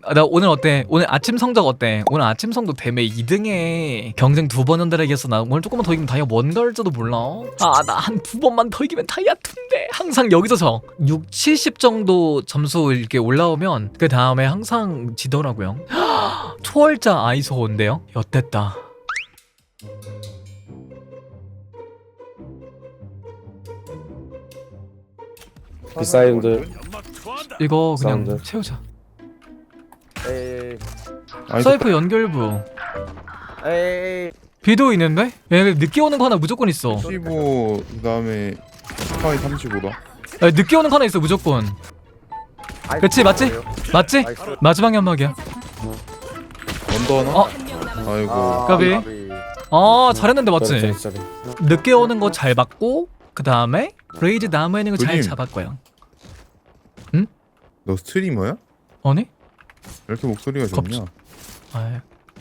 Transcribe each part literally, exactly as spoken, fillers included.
아, 나 오늘 어때? 오늘 아침 성적 어때? 오늘 아침 성적 대매 이 등에 경쟁 두 번 연달아 이겼어. 나 오늘 조금만 더 이기면 다이아 원 갈지도 몰라. 아, 나 한 두 번만 더 이기면 다이아 투인데 항상 여기서 져. 육, 칠십 정도 점수 이렇게 올라오면 그 다음에 항상 지더라고요. 초월자 아이소인데요? 엿됐다. 비사이드 이거 그냥 사운드. 채우자. 에이 아이고, 사이프 연결부. 에이 비도 있는데? 얘 늦게 오는 거 하나 무조건 있어. 십오 그다음에 스파이 삼십오다. 야, 늦게 오는 거 하나 있어 무조건. 아이, 그치, 맞지? 뭐예요? 맞지? 나이스. 마지막 연막이야. 언더 하나? 어? 아이고. 아, 까비. 아, 잘했는데 맞지? 짜리. 늦게 오는 거 잘 봤고 그 다음에 레이즈 나무에 있는 거 잘 그림. 잡았고요. 너 스트리머야? 아니? 왜 이렇게 목소리가 좋냐? 아이.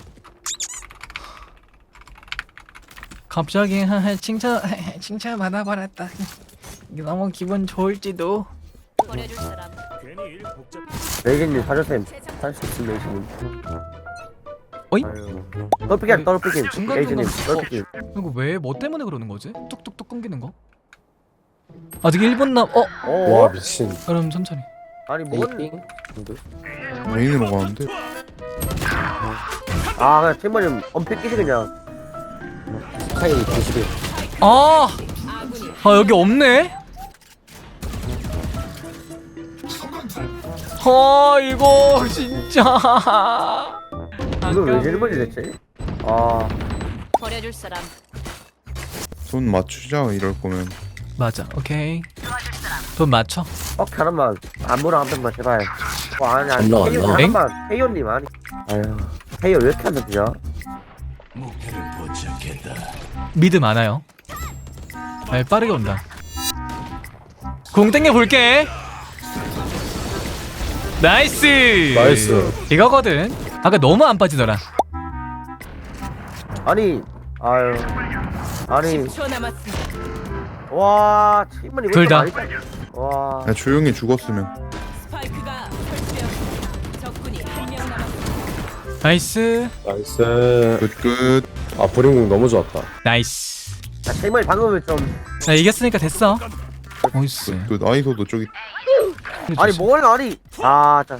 갑자기 칭찬 칭찬 받아버렸다. 너무 기분 좋을지도. 버려줄 사람. 레이진님 사주쌤 살수 있음 레이진님. 어이? 떨피김 떨피김 중간 레이진님 중간- 떨피김. 이거 왜 뭐 때문에 그러는 거지? 뚝뚝뚝 끊기는 거? 아직 일 분 남. 어? 어? 와 미친. 그럼 천천히. 아니 뭔? 메인으로 가는데? 아 그냥 팀원님 엄폐끼시 그냥. 스카이 구십일. 아, 아 여기 없네. 아 이거 진짜. 이거 왜 제일 먼저 됐지? 아 버려줄 사람. 손 맞추자 이럴 거면. 맞아. 오케이. 돈 맞춰. 어 하나만 안무랑 한 번만 제발. 어 아니 아니 안 나와, 안 헤이오 나와. 하나만 헤이오님 아니. 아유 헤이오 왜 이렇게 안 잡히냐? 미드 많아요. 아, 빠르게 온다. 공 땡겨 볼게. 나이스. 나이스. 이거거든. 아까 너무 안 빠지더라. 아니 아유 아니 십 초 남았습니다. 와 팀원이 둘 다. 와 야 조용히 죽었으면. 스파이크가 설치되었습니다. 적군이 한 명 남았습니다. 나이스. 나이스. 끝끝. 아 브링공 너무 좋았다. 나이스. 야, 팀원이 방금은 좀 나 이겼으니까 됐어. 나이스. 끝. 아이소도 저기. 아니 뭘 아니 아 자.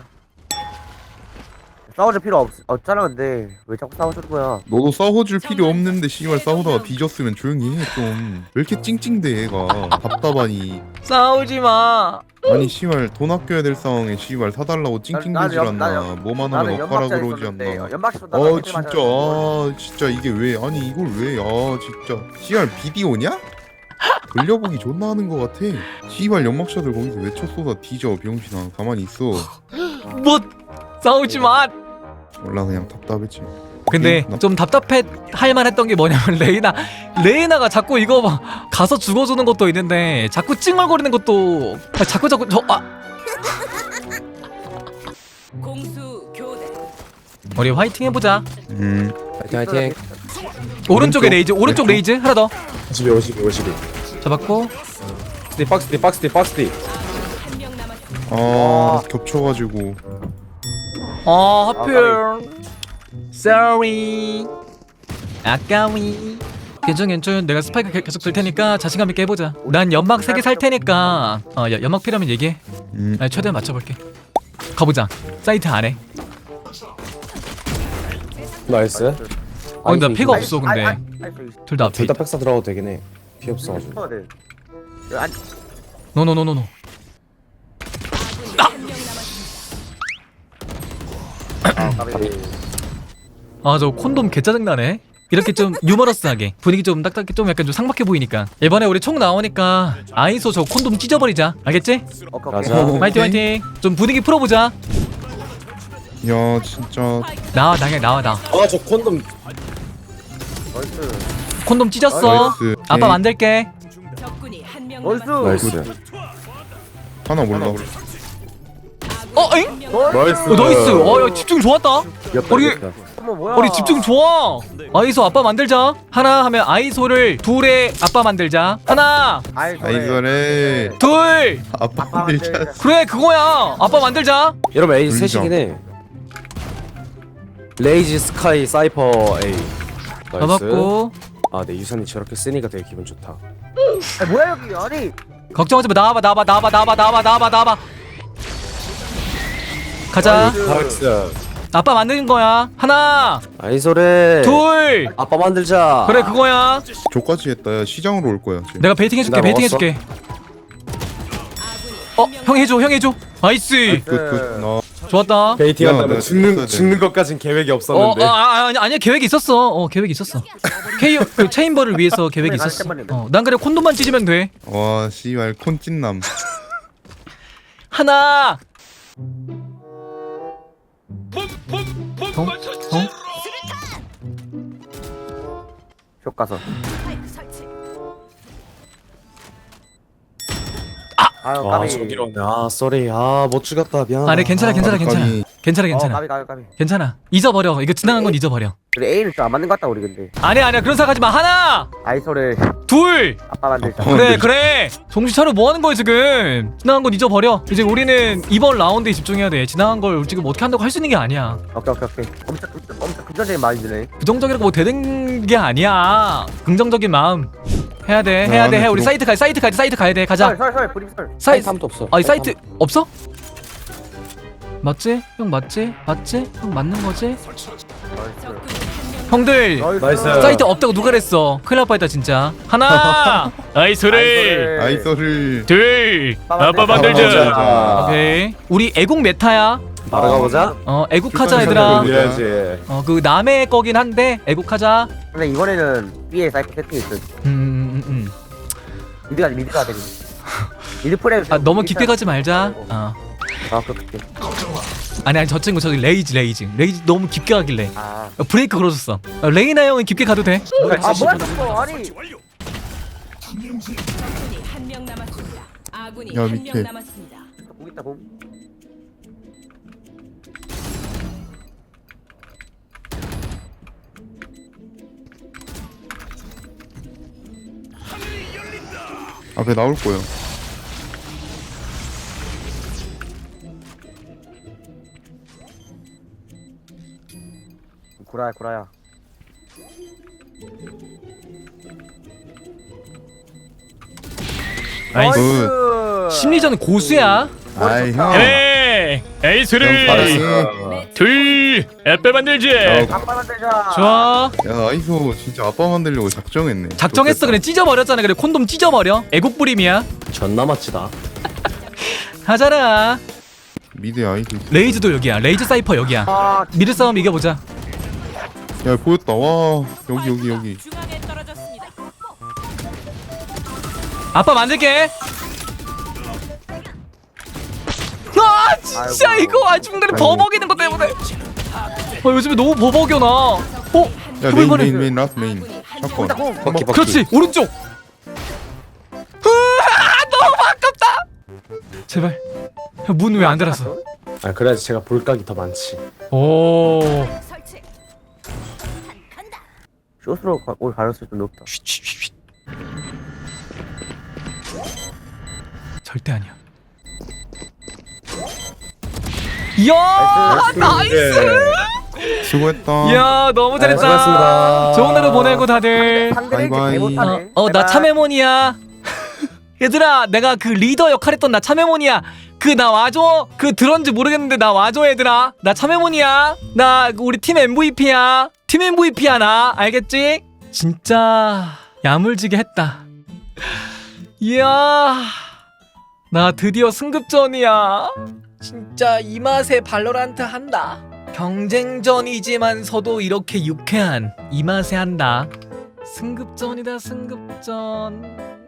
싸워줄 필요 없, 없잖아 근데 왜 자꾸 싸워주는 거야. 너도 싸워줄 필요 없는데 씨발 싸우다가 뒤졌으면 조용히 해 좀. 왜 이렇게 찡찡대 얘가. 답답하니. 싸우지 마. 아니 씨발 돈 아껴야 될 상황에 씨발 사달라고 찡찡대질 나는 않나. 연- 뭐만 나는 하면 엇가라 연막자 그러지 있었는데 않나. 연막시 쏜다. 어 진짜 아 진짜 이게 왜 아니 이걸 왜 아 진짜 씨발 비디오냐? 돌려보기 존나 하는 거 같아. 씨발 연막샷을 거기서 왜 쳤쏘다 뒤져 병신아. 가만히 있어. 뭐 싸우지 마. 몰라 그냥 답답했지. 근데 나- 좀 답답해 할 만했던 게 뭐냐면 레이나 레이나가 자꾸 이거 막 가서 죽어주는 것도 있는데 자꾸 찡얼거리는 것도 아, 자꾸 자꾸 저 아. 공수 교대. 우리 화이팅 해보자. 음 화이팅 화이팅. 오른쪽에 오른쪽, 레이즈 오른쪽 왼쪽. 레이즈 하나 더 오십이 오십이 오십이. 잡았고. 스티 박스 티 박스 티 박스 티. 한 명 남았습니다. 아 겹쳐가지고. 아 하필 sorry 아까위. 괜찮 괜찮. 내가 스파이크 게- 계속 들 테니까 자신감 있게 해보자. 난 연막 세 개 살 테니까 어 야, 연막 필요하면 얘기해. 음 나 최대한 맞춰볼게. 가보자. 사이트 안에. 나이스. 어 근데 나 피가 없어 근데 둘 다 앞에 둘다 있다. 백사 들어가도 되긴 해. 피 없어가지고. 아니 노노노노노. 한 명 남았습니다. 아 저 콘돔 개 짜증나네. 이렇게 좀 유머러스하게 분위기 좀 딱딱해 좀 약간 좀 상박해 보이니까 이번에 우리 총 나오니까 아이소 저 콘돔 찢어버리자. 알겠지? 가자. 화이팅 화이팅. 좀 분위기 풀어보자. 야 진짜 나와 나게 나와 나. 아저 콘돔. 콘돔 찢었어. 나이스. 아빠 만들게. 적군이 한 명 나이스. 남았습니다. 나이스. 하나 몰라. 어 엥? 나이스. 어, 나이스. 어야 집중 좋았다. 이겼다, 우리- 이겼다. 어머 뭐야? 우리 집중 좋아. 아이소 아빠 만들자. 하나 하면 아이소를 둘에 아빠 만들자. 하나 아이소래. 둘. 아빠 밀자. 그래 그거야. 아빠 만들자. 이러면 에이 인정. 셋이긴 해. 레이지 스카이 사이퍼 A. 나이스. 잡았고. 아내 유산이 저렇게 쓰니까 되게 기분 좋다. 아 뭐야 여기 아니. 걱정하지 마. 나와봐 나와봐 나와봐 나와봐 나와봐 나와봐 나와봐. 가자. 나이스. 아빠 만드는 거야. 하나 아이소래. 둘. 아빠 만들자. 그래 그거야. 저까지 했다. 야, 시장으로 올 거야. 쟤. 내가 베이팅 해줄게 나 베이팅 먹었어? 해줄게. 아군이 어 한 명 형 해줘 형 해줘. 나이스. 끝끝 나. 좋았다. 베이팅 야, 한다면 내가 죽는 쳤어야 돼. 죽는 것까진 계획이 어, 없었는데. 아, 아, 아니, 아니야 계획이 있었어. 어, 계획이 있었어. 케이오 그 체인버를 위해서 계획이 있었어. 어, 난 그래 콘돔만 찢으면 돼. 와 씨발 콘찐남. 하나. 어? 어? 쇼 가서. 스파이크 설치. 아유 와 까비. 저기로 아 쏘리 아못 죽었다 미안. 아니 괜찮아 괜찮아 괜찮아 까비. 괜찮아 어 괜찮아 까비 까비 까비. 괜찮아 잊어버려. 이거 지나간 건 잊어버려. 우리 A는 좀 안 맞는 것 같다 우리 근데. 아니야 아니야 그런 생각하지 마. 하나 아이소를 둘. 아빠 만들자. 아빠. 그래 그래 정신 차려. 뭐 하는 거야 지금. 지나간 건 잊어버려. 이제 우리는 이번 라운드에 집중해야 돼. 지나간 걸 지금 어떻게 한다고 할 수 있는 게 아니야. 오케이 오케이 오케이. 엄청 엄청, 엄청 긍정적인 마인드네. 부정적이라고 뭐 되는 게 아니야. 긍정적인 마음 해야 돼 해야 돼 해. 우리 들어. 사이트 가 사이트 가 사이트 가야 돼. 가자. 설설설 브림 설. 사이 사이트함도 없어. 아니 사이트 없어? 맞지? 형 맞지? 맞지? 형 맞는 거지? 적군이 한 명. 형들 나이스. 사이트 없다고 누가 그랬어? 큰일 날 뻔했다 진짜. 하나 아이소리 아이소를. 둘 아빠 아빠 만들자. 만들자. 오케이 우리 애국 메타야. 바로 가보자. 어 애국하자 출판 얘들아. 선생님. 올려야지. 어 그 남의 거긴 한데 애국하자. 근데 이번에는 B에 사이퍼 세팅이 있어. 음음음 음. 미드가 미드가 되니. 미드 프레임. 아 너무 깊게 가지 말자. 어 아 그렇게. 아니 아니 저 친구 저기 레이즈 레이즈 레이즈 너무 깊게 가길래 아. 어, 브레이크 걸어줬어. 어, 레이나 형은 깊게 가도 돼. 아 뭐야 저거 아니. 적군이 한 명 남았습니다. 아군이 야, 한 밑에. 명 남았습니다. 공 있다 공. 앞에 나올 거야. 구라야 구라야. 나이스. 심리전 고수야. 아이 형. 에이 형 에이스를 잘했어. 둘 에빼 만들지. 아빠 만들자. 좋아. 야 아이소 진짜 아빠 만들려고 작정했네. 작정했어. 좋겠다. 그래 찢어버렸잖아. 그래 콘돔 찢어버려. 애국 부림이야. 존나 멋지다. 하잖아. 미드 아이소. 레이즈도 여기야. 레이즈 사이퍼 여기야. 아 미드 싸움 이겨보자. 야 보였다. 와 여기 여기 여기. 중앙에 떨어졌습니다. 아빠 만들게. 아 진짜 아이고. 이거 아 중간에 아이고. 버벅이는 것 때문에. 어 요즘에 너무 버벅여 나. 어? 야 메인 해볼만해. 메인 메인 라스트 메인. 샷건. 공. 바퀴 바퀴. 그렇지 오른쪽. 으아, 너무 아깝다. 제발 문 왜 안 닫았어? 아 그래야지 제가 볼각이 더 많지. 오. 설치. 쇼스로 가- 올 가능성이 좀 높다. 쉿, 쉿, 쉿, 쉿. 절대 아니야. 이야 나이스. 수고했다. 이야 너무 잘했다. 네, 수고하셨습니다. 좋은 하루 보내고 다들. 상대를 바이바이. 개 못하네. 어 나 참외몬이야. 얘들아 내가 그 리더 역할했던 나 참외몬이야. 그 나 와줘. 그 들었는지 모르겠는데 나 와줘 얘들아. 나 참외몬이야. 나 우리 팀 엠브이피야. 팀 엠브이피야 나. 알겠지? 진짜 야물지게 했다. 이야 나 드디어 승급전이야. 진짜 이 맛에 발로란트 한다. 경쟁전이지만서도 이렇게 유쾌한 이 맛에 한다. 승급전이다 승급전.